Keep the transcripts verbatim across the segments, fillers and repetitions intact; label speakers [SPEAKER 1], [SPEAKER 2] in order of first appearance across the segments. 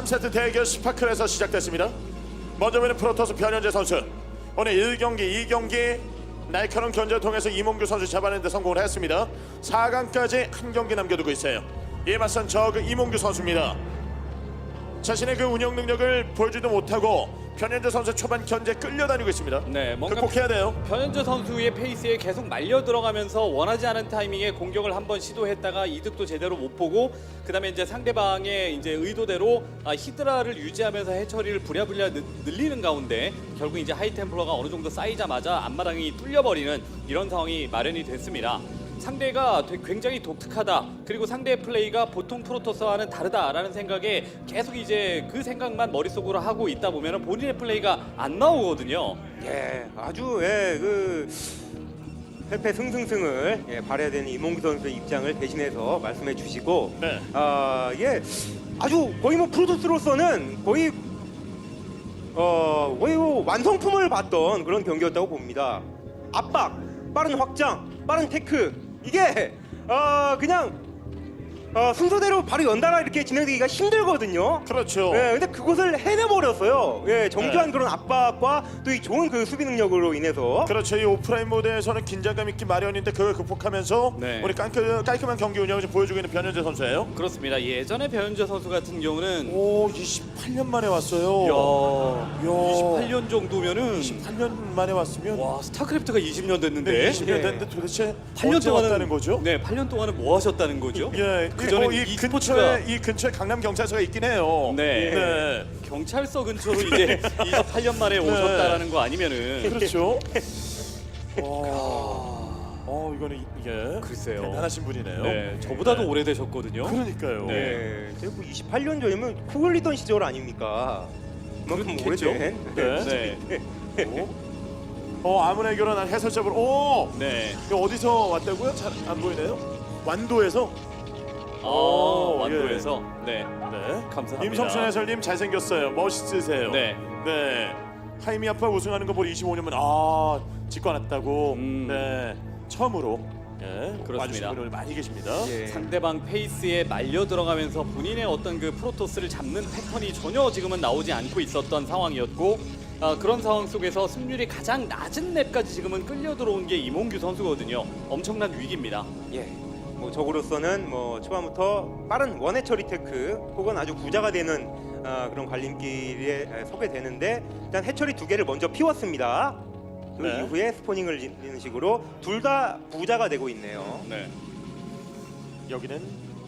[SPEAKER 1] 세트 대결 스파클에서 시작됐습니다. 먼저 보는 프로토스 변현재 선수. 오늘 일 경기, 이 경기 날카로운 견제를 통해서 이몽규 선수 잡아내는 데 성공을 했습니다. 사 강까지 한 경기 남겨두고 있어요. 이에 맞선 저그 이몽규 선수입니다. 자신의 그 운영 능력을 보여주지도 못하고 변현재 선수 초반 견제 끌려다니고 있습니다.
[SPEAKER 2] 네, 뭔가
[SPEAKER 1] 극복해야 돼요.
[SPEAKER 2] 변현재 선수의 페이스에 계속 말려 들어가면서 원하지 않은 타이밍에 공격을 한번 시도했다가 이득도 제대로 못 보고 그다음에 이제 상대방의 이제 의도대로 아, 히드라를 유지하면서 해처리를 부랴부랴 늘- 늘리는 가운데 결국 이제 하이템플러가 어느 정도 쌓이자마자 앞마당이 뚫려버리는 이런 상황이 마련이 됐습니다. 상대가 되게 굉장히 독특하다. 그리고 상대의 플레이가 보통 프로토스와는 다르다라는 생각에 계속 이제 그 생각만 머릿속으로 하고 있다 보면 본인의 플레이가 안 나오거든요.
[SPEAKER 3] 예, 아주 예, 그 패패 승승승을 예, 발해야 되는 이몽규 선수의 입장을 대신해서 말씀해 주시고,
[SPEAKER 1] 네.
[SPEAKER 3] 아, 예, 아주 거의 뭐 프로토스로서는 거의 어 거의 뭐 완성품을 봤던 그런 경기였다고 봅니다. 압박, 빠른 확장, 빠른 테크 이게 어 그냥 어, 순서대로 바로 연달아 이렇게 진행되기가 힘들거든요.
[SPEAKER 1] 그렇죠.
[SPEAKER 3] 예, 근데 그것을 해내버렸어요. 예, 정교한
[SPEAKER 1] 네.
[SPEAKER 3] 그런 압박과 또 이 좋은 그 수비 능력으로 인해서.
[SPEAKER 1] 그렇죠. 이 오프라인 모드에서는 긴장감 있기 마련인데 그걸 극복하면서
[SPEAKER 2] 네.
[SPEAKER 1] 우리 깔끔, 깔끔한 경기 운영을 좀 보여주고 있는 변현재 선수예요.
[SPEAKER 2] 그렇습니다. 예전에 변현재 선수 같은 경우는
[SPEAKER 1] 오, 이십팔 년 만에 왔어요.
[SPEAKER 2] 야,
[SPEAKER 1] 야.
[SPEAKER 2] 이십팔 년 정도면은
[SPEAKER 1] 이십팔 년 만에 왔으면
[SPEAKER 2] 와 스타크래프트가 이십 년 됐는데
[SPEAKER 1] 네, 이십 년
[SPEAKER 3] 예.
[SPEAKER 1] 됐는데 도대체
[SPEAKER 2] 팔 년
[SPEAKER 1] 언제
[SPEAKER 2] 동안은
[SPEAKER 1] 왔다는 거죠?
[SPEAKER 2] 네, 팔 년 동안은 뭐 하셨다는 거죠?
[SPEAKER 1] 예,
[SPEAKER 2] 그
[SPEAKER 1] 이,
[SPEAKER 2] 전에
[SPEAKER 1] 어, 이 근처에 이 근처에 강남 경찰서가 있긴 해요.
[SPEAKER 2] 네.
[SPEAKER 1] 네.
[SPEAKER 2] 경찰서 근처로 이제 이십팔 년 만에 오셨다라는 거 아니면은
[SPEAKER 1] 그렇죠. 와. 어, 이거는 이게
[SPEAKER 2] 글쎄요.
[SPEAKER 1] 대단하신 분이네요.
[SPEAKER 2] 네, 저보다도
[SPEAKER 1] 네.
[SPEAKER 2] 오래되셨거든요.
[SPEAKER 1] 그러니까요.
[SPEAKER 2] 네.
[SPEAKER 3] 예, 제가 뭐 이십팔 년 전이면 코 흘리던 시절 아닙니까? 그만큼
[SPEAKER 2] 그렇겠죠.
[SPEAKER 3] 오래된.
[SPEAKER 1] 네.
[SPEAKER 2] 네.
[SPEAKER 1] 오. 어, 아무나 결혼한 해설자분. 오.
[SPEAKER 2] 네.
[SPEAKER 1] 이거 어디서 왔다고요? 잘 안 보이네요. 완도에서.
[SPEAKER 2] 아,
[SPEAKER 1] 오,
[SPEAKER 2] 완도에서. 네.
[SPEAKER 1] 네.
[SPEAKER 2] 감사합니다.
[SPEAKER 1] 임성춘 해설님 잘생겼어요. 멋있으세요.
[SPEAKER 2] 네.
[SPEAKER 1] 네. 하이미 아빠 우승하는 거 보고 이십오 년만 아 직관했다고.
[SPEAKER 2] 음.
[SPEAKER 1] 네. 처음으로 예,
[SPEAKER 2] 그렇습니다.
[SPEAKER 1] 와주신 분들 많이 계십니다.
[SPEAKER 3] 예.
[SPEAKER 2] 상대방 페이스에 말려 들어가면서 본인의 어떤 그 프로토스를 잡는 패턴이 전혀 지금은 나오지 않고 있었던 상황이었고 아, 그런 상황 속에서 승률이 가장 낮은 맵까지 지금은 끌려 들어온 게 이몽규 선수거든요. 엄청난 위기입니다.
[SPEAKER 3] 예. 뭐 적으로서는 뭐 초반부터 빠른 원해 처리 테크 혹은 아주 부자가 되는 아, 그런 갈림길에 에, 서게 되는데 일단 해처리 두 개를 먼저 피웠습니다. 그
[SPEAKER 1] 네.
[SPEAKER 3] 이후에 스포닝을 짓는 식으로 둘 다 부자가 되고 있네요.
[SPEAKER 2] 네.
[SPEAKER 1] 여기는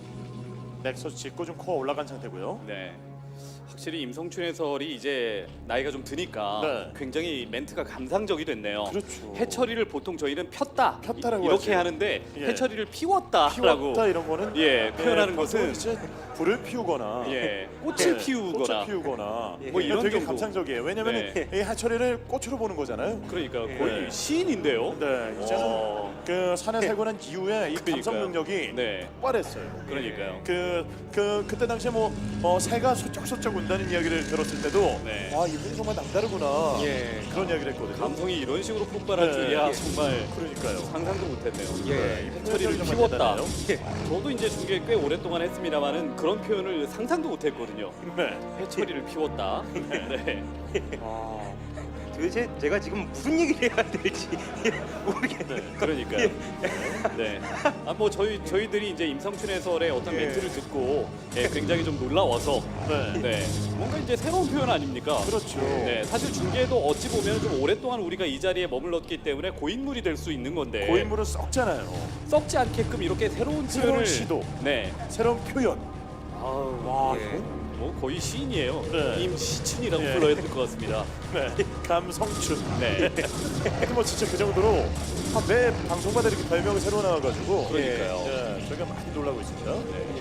[SPEAKER 1] 넥서스 짓고 좀 코어 올라간 상태고요.
[SPEAKER 2] 네. 확실히 임성춘 해설이 이제 나이가 좀 드니까
[SPEAKER 1] 네.
[SPEAKER 2] 굉장히 멘트가 감상적이 됐네요.
[SPEAKER 1] 그렇죠.
[SPEAKER 2] 해처리를 보통 저희는 폈다
[SPEAKER 1] 폈다라고
[SPEAKER 2] 이- 이렇게
[SPEAKER 1] 하죠.
[SPEAKER 2] 하는데
[SPEAKER 1] 예.
[SPEAKER 2] 해처리를 피웠다라고
[SPEAKER 1] 피웠다 이런 거는
[SPEAKER 2] 예, 표현하는
[SPEAKER 1] 보통
[SPEAKER 2] 것은
[SPEAKER 1] 이제 불을 피우거나
[SPEAKER 2] 예, 꽃을
[SPEAKER 1] 예,
[SPEAKER 2] 피우거나
[SPEAKER 1] 꽃을 피우거나
[SPEAKER 3] 예.
[SPEAKER 2] 뭐 이런
[SPEAKER 1] 되게
[SPEAKER 2] 정도.
[SPEAKER 1] 감상적이에요. 왜냐면
[SPEAKER 2] 네.
[SPEAKER 1] 이 해처리를 꽃으로 보는 거잖아요.
[SPEAKER 2] 그러니까
[SPEAKER 3] 예.
[SPEAKER 2] 거의 시인인데요.
[SPEAKER 1] 네, 이제는
[SPEAKER 2] 어.
[SPEAKER 1] 그 산에 살고 난 이후에 이 감성
[SPEAKER 2] 그러니까요.
[SPEAKER 1] 능력이
[SPEAKER 2] 네.
[SPEAKER 1] 폭발했어요.
[SPEAKER 2] 그러니까요.
[SPEAKER 1] 그, 그 그때 당시에 뭐 어, 새가 소쩍소쩍 운다는 이야기를 들었을 때도
[SPEAKER 2] 네.
[SPEAKER 1] 아 이분이 정말 남다르구나
[SPEAKER 3] 예.
[SPEAKER 1] 그런 이야기를 했거든요.
[SPEAKER 2] 감성이 이런 식으로 폭발할
[SPEAKER 1] 네.
[SPEAKER 2] 줄이야
[SPEAKER 1] 예.
[SPEAKER 2] 정말
[SPEAKER 1] 그러니까요.
[SPEAKER 2] 상상도 못했네요.
[SPEAKER 3] 예.
[SPEAKER 1] 이
[SPEAKER 2] 해처리를
[SPEAKER 1] 정말
[SPEAKER 2] 피웠다.
[SPEAKER 1] 대단해요.
[SPEAKER 3] 예.
[SPEAKER 2] 저도 이제 중계 꽤 오랫동안 했습니다만은 그런 표현을 상상도 못했거든요.
[SPEAKER 1] 네.
[SPEAKER 2] 해처리를 피웠다. 네.
[SPEAKER 1] 아,
[SPEAKER 3] 도대체 제가 지금 무슨 얘기를 해야 될지 모르겠네요.
[SPEAKER 1] 네.
[SPEAKER 2] 그러니까요. 네. 아 뭐 저희 저희들이 이제 임성춘 해설의 어떤
[SPEAKER 3] 예.
[SPEAKER 2] 멘트를 듣고 예, 굉장히 좀 놀라워서
[SPEAKER 1] 네.
[SPEAKER 2] 네. 뭔가 이제 새로운 표현 아닙니까?
[SPEAKER 1] 그렇죠.
[SPEAKER 2] 네. 사실 중계도 어찌 보면 좀 오랫동안 우리가 이 자리에 머물렀기 때문에 고인물이 될 수 있는 건데
[SPEAKER 1] 고인물은 썩잖아요.
[SPEAKER 2] 썩지 않게끔 이렇게 새로운
[SPEAKER 1] 새로운
[SPEAKER 2] 표현을
[SPEAKER 1] 시도.
[SPEAKER 2] 네.
[SPEAKER 1] 새로운 표현.
[SPEAKER 2] 아우,
[SPEAKER 1] 와,
[SPEAKER 3] 예.
[SPEAKER 1] 이건
[SPEAKER 2] 뭐 거의 시인이에요.
[SPEAKER 1] 네.
[SPEAKER 2] 임시춘이라고
[SPEAKER 1] 예.
[SPEAKER 2] 불러야 될 것 같습니다.
[SPEAKER 1] 네. 감성춘.
[SPEAKER 2] 네.
[SPEAKER 1] 하여튼 뭐 진짜 그 정도로 아, 매 방송마다 이렇게 별명이 새로 나와가지고
[SPEAKER 2] 그러니까요.
[SPEAKER 1] 예, 저희가 많이 놀라고 있습니다.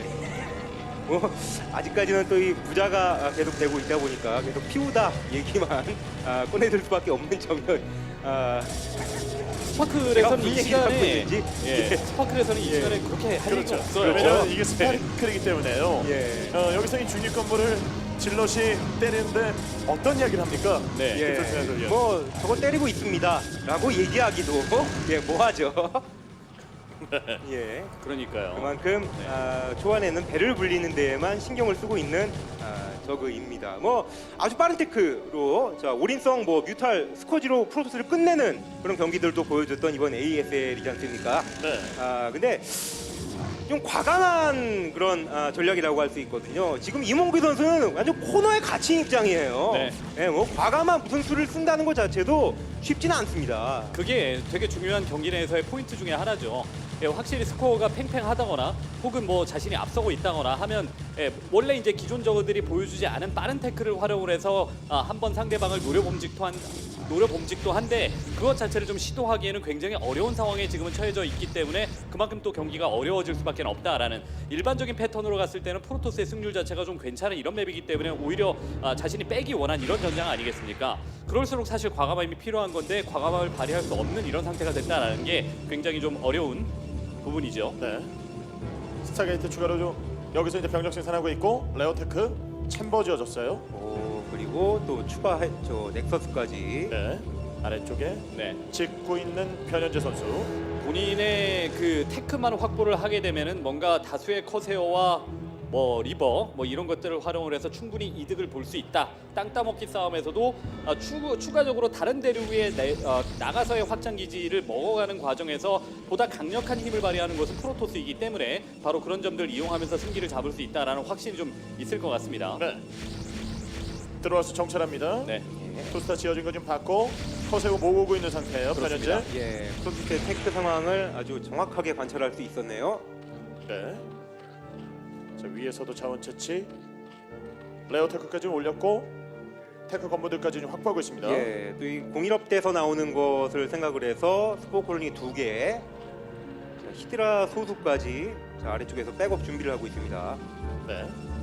[SPEAKER 3] 뭐 아직까지는 또 이 부자가 계속 되고 있다 보니까 계속 피우다 얘기만 아, 꺼내들 수밖에 없는 점을 아,
[SPEAKER 2] 스파클에서는 이
[SPEAKER 3] 무슨
[SPEAKER 2] 시간에
[SPEAKER 3] 얘기를 하고 있는지.
[SPEAKER 2] 예, 스파클에서는 이 시간에 그렇게 할 얘기가 없어요.
[SPEAKER 1] 왜냐면 이게 스파클이기 때문에요.
[SPEAKER 3] 예.
[SPEAKER 1] 어, 여기서 이 중립 건물을 질럿이 때리는데 어떤 이야기를 합니까?
[SPEAKER 2] 네.
[SPEAKER 3] 예,
[SPEAKER 1] 그렇죠, 예.
[SPEAKER 3] 뭐 저거 때리고 있습니다라고 얘기하기도 예, 뭐하죠. 예,
[SPEAKER 2] 그러니까요.
[SPEAKER 3] 그만큼
[SPEAKER 2] 네.
[SPEAKER 3] 아, 초반에는 배를 불리는 데에만 신경을 쓰고 있는 아, 저그입니다. 뭐 아주 빠른 테크로 자 올인성 뭐 뮤탈 스쿼지로 프로토스를 끝내는 그런 경기들도 보여줬던 이번 에이에스엘이지 않습니까?
[SPEAKER 1] 네.
[SPEAKER 3] 아 근데 좀 과감한 그런 아, 전략이라고 할 수 있거든요. 지금 이몽규 선수는 완전 코너에 갇힌 입장이에요.
[SPEAKER 2] 네.
[SPEAKER 3] 예, 뭐 과감한 무슨 수를 쓴다는 것 자체도 쉽지는 않습니다.
[SPEAKER 2] 그게 되게 중요한 경기 내에서의 포인트 중에 하나죠. 예, 확실히 스코어가 팽팽하다거나 혹은 뭐 자신이 앞서고 있다거나 하면 예, 원래 이제 기존 저그들이 보여주지 않은 빠른 태클을 활용을 해서 아, 한번 상대방을 노려봄직도 한 노려봄직도 한데 그것 자체를 좀 시도하기에는 굉장히 어려운 상황에 지금은 처해져 있기 때문에 그만큼 또 경기가 어려워질 수밖에 없다라는 일반적인 패턴으로 갔을 때는 프로토스의 승률 자체가 좀 괜찮은 이런 맵이기 때문에 오히려 아, 자신이 빼기 원한 이런 전장 아니겠습니까? 그럴수록 사실 과감함이 필요한 건데 과감함을 발휘할 수 없는 이런 상태가 됐다라는 게 굉장히 좀 어려운 부분이죠.
[SPEAKER 1] 네. 스타게이트 추가로 좀 여기서 이제 병력 생산하고 있고 레어테크 챔버 지어졌어요.
[SPEAKER 3] 오, 그리고 또 추가 저 넥서스까지.
[SPEAKER 1] 네. 아래쪽에
[SPEAKER 2] 네.
[SPEAKER 1] 짓고 있는 변현재 선수.
[SPEAKER 2] 본인의 그 테크만 확보를 하게 되면은 뭔가 다수의 커세어와 뭐 리버 뭐 이런 것들을 활용을 해서 충분히 이득을 볼 수 있다. 땅 따먹기 싸움에서도 아, 추, 추가적으로 다른 대륙에 내, 어, 나가서의 확장 기지를 먹어가는 과정에서 보다 강력한 힘을 발휘하는 것은 프로토스이기 때문에 바로 그런 점들을 이용하면서 승기를 잡을 수 있다라는 확신이 좀 있을 것 같습니다.
[SPEAKER 1] 네. 들어와서 정찰합니다.
[SPEAKER 2] 네.
[SPEAKER 1] 투스타 지어진 거 좀 봤고 커세고 모으고 있는 상태예요.
[SPEAKER 2] 그렇습니다.
[SPEAKER 1] 변현재.
[SPEAKER 3] 예, 프로토스의 테크 상황을 아주 정확하게 관찰할 수 있었네요.
[SPEAKER 1] 네. 자, 위에서도 자원 채취. 레어테크까지 올렸고 테크 건물들까지 좀 확보하고 있습니다.
[SPEAKER 3] 예, 또 이 공일업대에서 나오는 것을 생각을 해서 스포 콜로니 두 개, 자, 히드라 소수까지 자, 아래쪽에서 백업 준비를 하고 있습니다.
[SPEAKER 1] 네.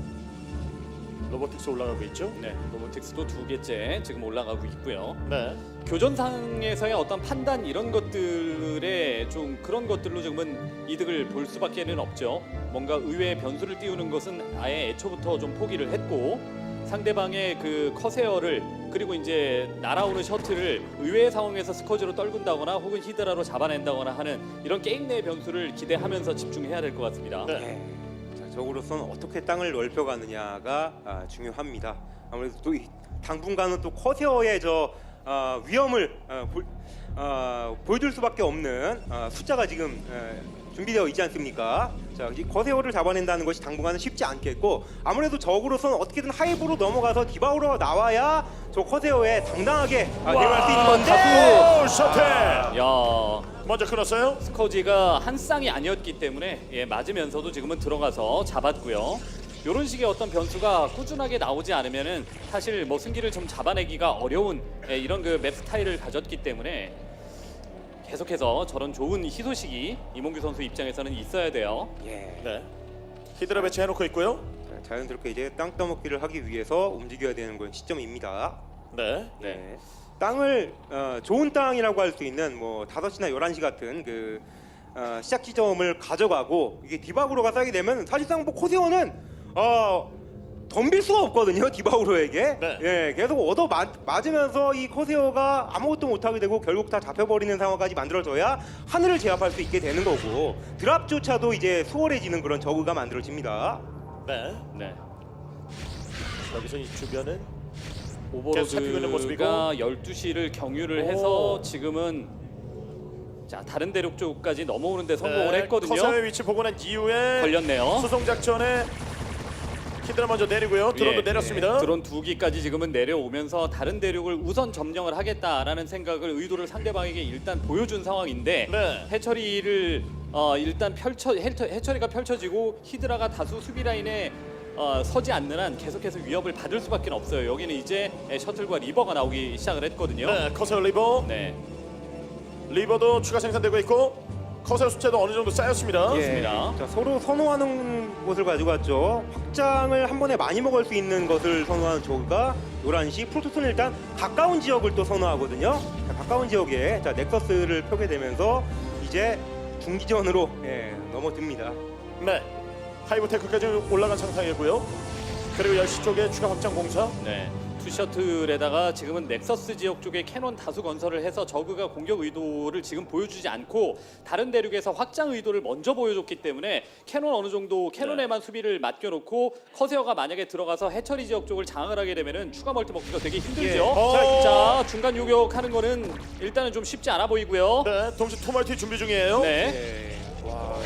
[SPEAKER 1] 로보틱스 올라가고 있죠.
[SPEAKER 2] 네, 로보틱스도 두 개째 지금 올라가고 있고요.
[SPEAKER 1] 네.
[SPEAKER 2] 교전상에서의 어떤 판단 이런 것들에 좀 그런 것들로 지금은 이득을 볼 수밖에는 없죠. 뭔가 의외의 변수를 띄우는 것은 아예 애초부터 좀 포기를 했고 상대방의 그 커세어를 그리고 이제 날아오는 셔틀을 의외의 상황에서 스커지로 떨군다거나 혹은 히드라로 잡아낸다거나 하는 이런 게임 내의 변수를 기대하면서 집중해야 될 것 같습니다.
[SPEAKER 1] 네.
[SPEAKER 3] 예, 자, 적으로서는 어떻게 땅을 넓혀가느냐가 아, 중요합니다. 아무래도 또 이, 당분간은 또 커세어의 저 아, 위험을 아, 보, 아, 보여줄 수밖에 없는 아, 숫자가 지금 에, 준비되어 있지 않습니까? 자, 이 거세어를 잡아낸다는 것이 당분간은 쉽지 않겠고 아무래도 적으로서는 어떻게든 하이브로 넘어가서 디바우로 나와야 저 커세어에 당당하게 아, 대응할 수 있는 건데
[SPEAKER 1] 오, 셔틀.
[SPEAKER 2] 야,
[SPEAKER 1] 먼저 끊었어요.
[SPEAKER 2] 스커지가 한 쌍이 아니었기 때문에 예, 맞으면서도 지금은 들어가서 잡았고요. 이런 식의 어떤 변수가 꾸준하게 나오지 않으면은 사실 뭐 승기를 좀 잡아내기가 어려운 예, 이런 그 맵 스타일을 가졌기 때문에 계속해서 저런 좋은 희소식이 이몽규 선수 입장에서는 있어야 돼요.
[SPEAKER 3] 예.
[SPEAKER 1] 네. 히드라 배치해놓고 있고요.
[SPEAKER 3] 자, 자연스럽게 이제 땅 따먹기를 하기 위해서 움직여야 되는 건 시점입니다.
[SPEAKER 1] 네.
[SPEAKER 2] 네.
[SPEAKER 3] 네. 땅을 어, 좋은 땅이라고 할 수 있는 뭐 다섯 시나 열한 시 같은 그 어, 시작 지점을 가져가고 이게 디바우로가 쌓이게 되면 사실상 뭐 코세오는 어, 덤빌 수가 없거든요. 디바우로에게.
[SPEAKER 1] 네.
[SPEAKER 3] 예, 계속 얻어 맞, 맞으면서 이 코세오가 아무것도 못하게 되고 결국 다 잡혀버리는 상황까지 만들어져야 하늘을 제압할 수 있게 되는 거고 드랍조차도 이제 수월해지는 그런 저그가 만들어집니다.
[SPEAKER 1] 네.
[SPEAKER 2] 네.
[SPEAKER 1] 여기서 이 주변은 계속 살피고 있는 모습이고.
[SPEAKER 2] 오버로드가 열두 시를 경유를
[SPEAKER 1] 오.
[SPEAKER 2] 해서 지금은 자 다른 대륙 쪽까지 넘어오는데 성공을
[SPEAKER 1] 네,
[SPEAKER 2] 했거든요.
[SPEAKER 1] 커서의 위치 보고 난 이후에
[SPEAKER 2] 걸렸네요.
[SPEAKER 1] 수송 작전에 히드라 먼저 내리고요. 드론도
[SPEAKER 2] 예,
[SPEAKER 1] 내렸습니다.
[SPEAKER 2] 예, 드론 두 기까지 지금은 내려오면서 다른 대륙을 우선 점령을 하겠다라는 생각을 의도를 상대방에게 일단 보여준 상황인데
[SPEAKER 1] 네.
[SPEAKER 2] 해처리를 어, 일단 펼쳐 해처, 해처리가 펼쳐지고 히드라가 다수 수비 라인에 어, 서지 않는 한 계속해서 위협을 받을 수밖에 없어요. 여기는 이제 셔틀과 리버가 나오기 시작을 했거든요.
[SPEAKER 1] 네, 커서 리버.
[SPEAKER 2] 네.
[SPEAKER 1] 리버도 추가 생산되고 있고 커서 숫자도 어느 정도 쌓였습니다.
[SPEAKER 2] 그렇습니다.
[SPEAKER 3] 자, 서로 선호하는 곳을 가지고 왔죠. 확장을 한 번에 많이 먹을 수 있는 것을 선호하는 저그가 열한 시, 프로토스는 일단 가까운 지역을 또 선호하거든요. 자, 가까운 지역에 자, 넥서스를 펴게 되면서 이제 중기전으로 예, 넘어듭니다.
[SPEAKER 1] 네. 하이브 테크까지 올라간 상황이고요. 그리고 열 시 쪽에 추가 확장 공사.
[SPEAKER 2] 네. 투 셔틀에다가 지금은 넥서스 지역 쪽에 캐논 다수 건설을 해서 저그가 공격 의도를 지금 보여주지 않고 다른 대륙에서 확장 의도를 먼저 보여줬기 때문에 캐논 어느 정도 캐논에만 수비를 맡겨놓고 커세어가 만약에 들어가서 해처리 지역 쪽을 장악을 하게 되면은 추가 멀티 먹기가 되게 힘들죠.
[SPEAKER 3] 예.
[SPEAKER 1] 어.
[SPEAKER 2] 자, 중간 요격하는 거는 일단은 좀 쉽지 않아 보이고요.
[SPEAKER 1] 네, 동시 투멀티 준비 중이에요.
[SPEAKER 2] 네.
[SPEAKER 3] 예. 와,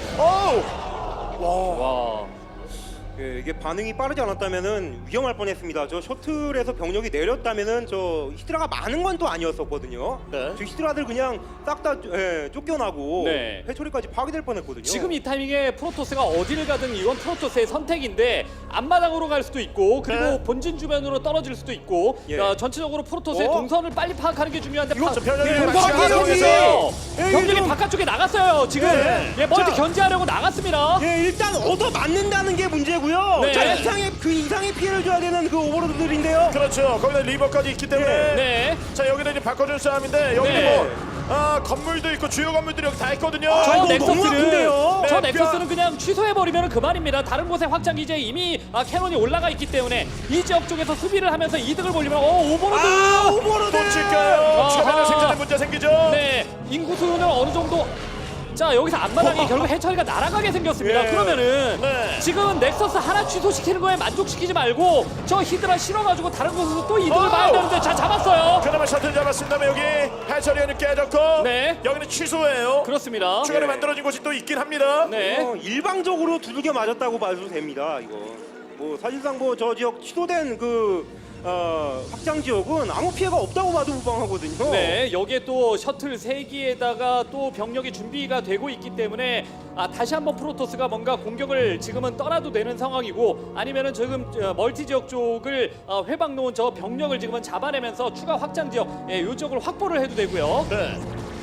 [SPEAKER 1] 오!
[SPEAKER 2] 와.
[SPEAKER 3] 예, 이게 반응이 빠르지 않았다면은 위험할 뻔했습니다. 저 셔틀에서 병력이 내렸다면은 저 히드라가 많은 건 또 아니었었거든요.
[SPEAKER 1] 네.
[SPEAKER 3] 저 히드라들 그냥 싹 다 예, 쫓겨나고
[SPEAKER 2] 네.
[SPEAKER 3] 해처리까지 파괴될 뻔했거든요.
[SPEAKER 2] 지금 이 타이밍에 프로토스가 어디를 가든 이건 프로토스의 선택인데 앞마당으로 갈 수도 있고 그리고
[SPEAKER 1] 네.
[SPEAKER 2] 본진 주변으로 떨어질 수도 있고
[SPEAKER 3] 예.
[SPEAKER 2] 야, 전체적으로 프로토스의
[SPEAKER 3] 어?
[SPEAKER 2] 동선을 빨리 파악하는 게 중요한데
[SPEAKER 3] 이거
[SPEAKER 2] 파-
[SPEAKER 1] 저 병력이
[SPEAKER 2] 네,
[SPEAKER 1] 같이
[SPEAKER 2] 동선을
[SPEAKER 1] 가서
[SPEAKER 2] 파악했어요.
[SPEAKER 3] 예,
[SPEAKER 2] 병력이
[SPEAKER 3] 좀-
[SPEAKER 2] 바깥쪽에 나갔어요. 지금
[SPEAKER 1] 네.
[SPEAKER 2] 예, 멀티
[SPEAKER 3] 자.
[SPEAKER 2] 견제하려고 나갔습니다.
[SPEAKER 3] 예, 일단 얻어 맞는다는 게 문제고요.
[SPEAKER 2] 네.
[SPEAKER 3] 자, 이상의 그 이상의 피해를 줘야 되는 그 오버로드들인데요.
[SPEAKER 1] 그렇죠. 거기다 리버까지 있기 때문에.
[SPEAKER 3] 예.
[SPEAKER 2] 네.
[SPEAKER 1] 자, 여기는 이제 바꿔준 싸움인데 여기
[SPEAKER 2] 네.
[SPEAKER 1] 뭐 아, 건물도 있고 주요 건물들이 여기 다 있거든요.
[SPEAKER 3] 아,
[SPEAKER 2] 저
[SPEAKER 3] 이거 너무
[SPEAKER 2] 넥서스는
[SPEAKER 3] 아픈데요?
[SPEAKER 2] 저
[SPEAKER 1] 네,
[SPEAKER 2] 넥서스는 그냥 취소해버리면 그만입니다. 다른 곳에 확장 기지에 이미 아, 캐논이 올라가 있기 때문에 이 지역 쪽에서 수비를 하면서 이득을 보려면 어 오버로드
[SPEAKER 3] 아, 오버로드.
[SPEAKER 1] 또 칠까요?
[SPEAKER 2] 아하.
[SPEAKER 1] 추가되는 생산에 문제 생기죠.
[SPEAKER 2] 네, 인구수는 어느 정도. 자, 여기서 앞마당이 결국 해처리가 날아가게 생겼습니다.
[SPEAKER 3] 예.
[SPEAKER 2] 그러면은
[SPEAKER 1] 네.
[SPEAKER 2] 지금 넥서스 하나 취소시키는 거에 만족시키지 말고 저 히드라 실어가지고 다른 곳에서 또 이득을
[SPEAKER 1] 어우.
[SPEAKER 2] 봐야 되는데 자 잡았어요.
[SPEAKER 1] 그나마 셔틀 잡았습니다. 여기 해처리는 깨졌고
[SPEAKER 2] 네.
[SPEAKER 1] 여기는 취소예요.
[SPEAKER 2] 그렇습니다.
[SPEAKER 1] 추가로
[SPEAKER 3] 예.
[SPEAKER 1] 만들어진 곳이 또 있긴 합니다.
[SPEAKER 2] 네.
[SPEAKER 3] 어, 일방적으로 두들겨 맞았다고 봐도 됩니다. 이거 뭐 사실상 뭐 저 지역 취소된 그 어, 확장 지역은 아무 피해가 없다고 봐도 무방하거든요.
[SPEAKER 2] 네, 여기에 또 셔틀 세 기에다가 또 병력이 준비가 되고 있기 때문에 아, 다시 한번 프로토스가 뭔가 공격을 지금은 떠나도 되는 상황이고 아니면은 지금 저, 멀티 지역 쪽을 어, 회방 놓은 저 병력을 지금은 잡아내면서 추가 확장 지역 예, 이쪽을 확보를 해도 되고요.
[SPEAKER 1] 네.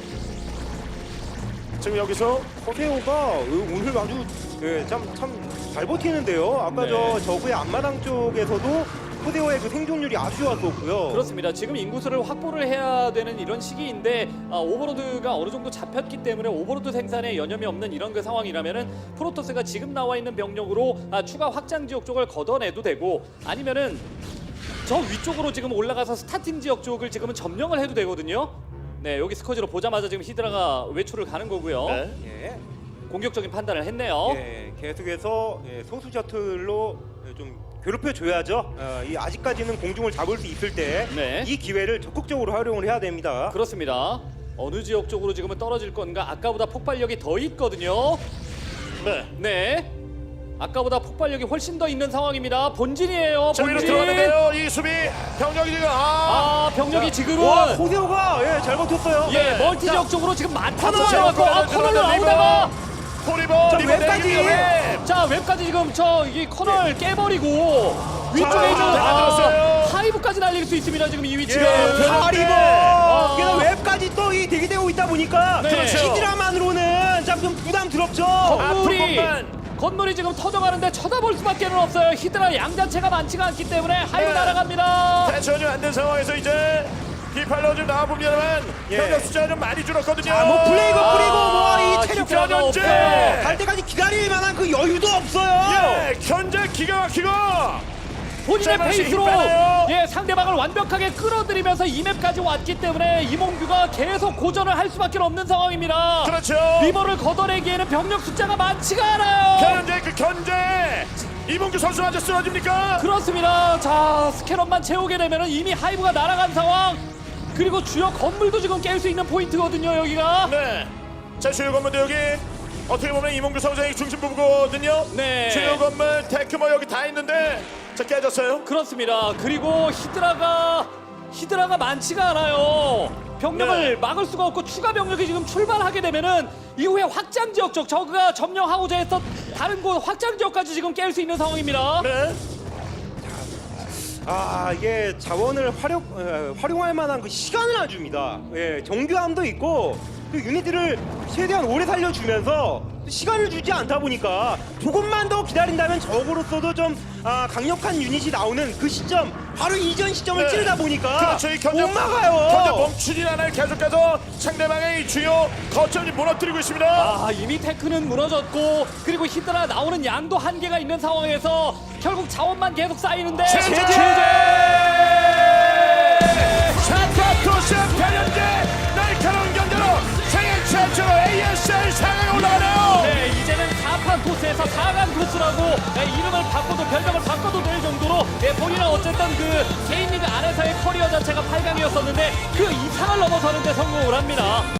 [SPEAKER 1] 지금 여기서
[SPEAKER 3] 커세오가 오늘 아주 예, 참참 잘 버티는데요. 아까
[SPEAKER 2] 네.
[SPEAKER 3] 저 저구의 앞마당 쪽에서도 커세오의 그 생존율이 아주 좋았었고요.
[SPEAKER 2] 그렇습니다. 지금 인구수를 확보를 해야 되는 이런 시기인데 아, 오버로드가 어느 정도 잡혔기 때문에 오버로드 생산에 여념이 없는 이런 그 상황이라면은 프로토스가 지금 나와 있는 병력으로 아, 추가 확장 지역 쪽을 걷어내도 되고 아니면은 저 위쪽으로 지금 올라가서 스타팅 지역 쪽을 지금은 점령을 해도 되거든요. 네, 여기 스커지로 보자마자 지금 히드라가 외출을 가는 거고요.
[SPEAKER 1] 네.
[SPEAKER 3] 예,
[SPEAKER 2] 공격적인 판단을 했네요.
[SPEAKER 3] 예, 계속해서 예, 소수 셔틀로 예, 좀 괴롭혀 줘야죠. 어, 이 아직까지는 공중을 잡을 수 있을 때 이
[SPEAKER 2] 네.
[SPEAKER 3] 기회를 적극적으로 활용을 해야 됩니다.
[SPEAKER 2] 그렇습니다. 어느 지역 쪽으로 지금은 떨어질 건가? 아까보다 폭발력이 더 있거든요.
[SPEAKER 1] 네.
[SPEAKER 2] 네. 아까보다 폭발력이 훨씬 더 있는 상황입니다. 본진이에요.
[SPEAKER 1] 자, 위로
[SPEAKER 2] 본진.
[SPEAKER 1] 들어가는데요. 이 수비 병력이 지금 아,
[SPEAKER 2] 아, 병력이 지금은
[SPEAKER 3] 와, 코세오가 예, 잘 버텼어요.
[SPEAKER 2] 예,
[SPEAKER 1] 네.
[SPEAKER 2] 멀티 지역 쪽으로 지금 많다
[SPEAKER 1] 자,
[SPEAKER 2] 들어가고 아,
[SPEAKER 1] 자,
[SPEAKER 2] 커널로
[SPEAKER 1] 자,
[SPEAKER 2] 나오다가
[SPEAKER 1] 포리버
[SPEAKER 3] 자,
[SPEAKER 1] 리버
[SPEAKER 3] 웹까지.
[SPEAKER 1] 내리기 웹.
[SPEAKER 2] 자, 웹까지 지금 저 이게 커널 깨버리고 위쪽에
[SPEAKER 1] 자,
[SPEAKER 2] 좀
[SPEAKER 1] 다
[SPEAKER 2] 아,
[SPEAKER 1] 들었어요.
[SPEAKER 2] 하이브까지 날릴 수 있습니다. 지금 이 위치가.
[SPEAKER 3] 예, 하리버.
[SPEAKER 2] 아.
[SPEAKER 3] 게다가 웹까지 또 이 대기되고 있다 보니까
[SPEAKER 2] 네.
[SPEAKER 1] 그렇죠.
[SPEAKER 3] 히드라만으로는 참 좀 부담스럽죠.
[SPEAKER 2] 건물이
[SPEAKER 1] 것만.
[SPEAKER 2] 건물이 지금 터져가는데 쳐다볼 수밖에 없어요. 히드라 양 자체가 많지가 않기 때문에 하이브
[SPEAKER 1] 네.
[SPEAKER 2] 날아갑니다.
[SPEAKER 1] 대전이 안 된 상황에서 이제 디팔로 좀 나와봅니다만
[SPEAKER 3] 예.
[SPEAKER 1] 병력 숫자가 좀 많이 줄었거든요.
[SPEAKER 3] 자, 뭐 플레이그
[SPEAKER 2] 아,
[SPEAKER 3] 뿌리고 뭐 이 체력
[SPEAKER 2] 히드라가
[SPEAKER 1] 변현재.
[SPEAKER 2] 없어요.
[SPEAKER 3] 갈 때까지 기다릴 만한 그 여유도 없어요.
[SPEAKER 1] 예, 견제 기가 막히고.
[SPEAKER 2] 본인의
[SPEAKER 1] 자, 다시
[SPEAKER 2] 페이스로
[SPEAKER 1] 힘 빼나요?
[SPEAKER 2] 예 상대방을 완벽하게 끌어들이면서 이 맵까지 왔기 때문에 이몽규가 계속 고전을 할 수밖에 없는 상황입니다.
[SPEAKER 1] 그렇죠.
[SPEAKER 2] 리버를 걷어내기에는 병력 숫자가 많지가 않아요.
[SPEAKER 1] 변현재 그 견제. 이봉규 선수 아주 쓰러집니까?
[SPEAKER 2] 그렇습니다. 자 스캐럿만 채우게 되면 이미 하이브가 날아간 상황. 그리고 주요 건물도 지금 깰 수 있는 포인트거든요 여기가.
[SPEAKER 1] 네. 자, 주요 건물도 여기 어떻게 보면 이몽규 선수의 중심 부부거든요.
[SPEAKER 2] 네.
[SPEAKER 1] 주요 건물 테크모 여기 다 있는데 자, 깨졌어요.
[SPEAKER 2] 그렇습니다. 그리고 히드라가 히드라가 많지가 않아요. 병력을
[SPEAKER 1] 네.
[SPEAKER 2] 막을 수가 없고 추가 병력이 지금 출발하게 되면은 이후에 확장 지역 쪽 저그가 점령하고자 했던 다른 곳 확장 지역까지 지금 깰 수 있는 상황입니다.
[SPEAKER 1] 네.
[SPEAKER 3] 아, 이게 자원을 활용 에, 활용할 만한 그 시간을 안 줍니다. 예, 정교함도 있고 그 유닛들을 최대한 오래 살려주면서 시간을 주지 않다 보니까 조금만 더 기다린다면 적으로서도 좀 아, 강력한 유닛이 나오는 그 시점, 바로 이전 시점을
[SPEAKER 1] 네.
[SPEAKER 3] 찌르다 보니까
[SPEAKER 1] 그렇죠. 이 견제
[SPEAKER 3] 못 막아요.
[SPEAKER 1] 견제 멈추진 않아요. 계속해서 상대방의 이 주요 거점을 무너뜨리고 있습니다.
[SPEAKER 2] 아 이미 테크는 무너졌고 그리고 히드라 나오는 양도 한계가 있는 상황에서 결국 자원만 계속 쌓이는데
[SPEAKER 1] 제재!
[SPEAKER 2] 제재! 스포츠에서 사 강 코스라고 네, 이름을 바꿔도 별명을 바꿔도 될 정도로 네, 본인은 어쨌든 그 K리그 안에서의 커리어 자체가 팔 강이었었는데 그 이상을 넘어서는 데 성공을 합니다.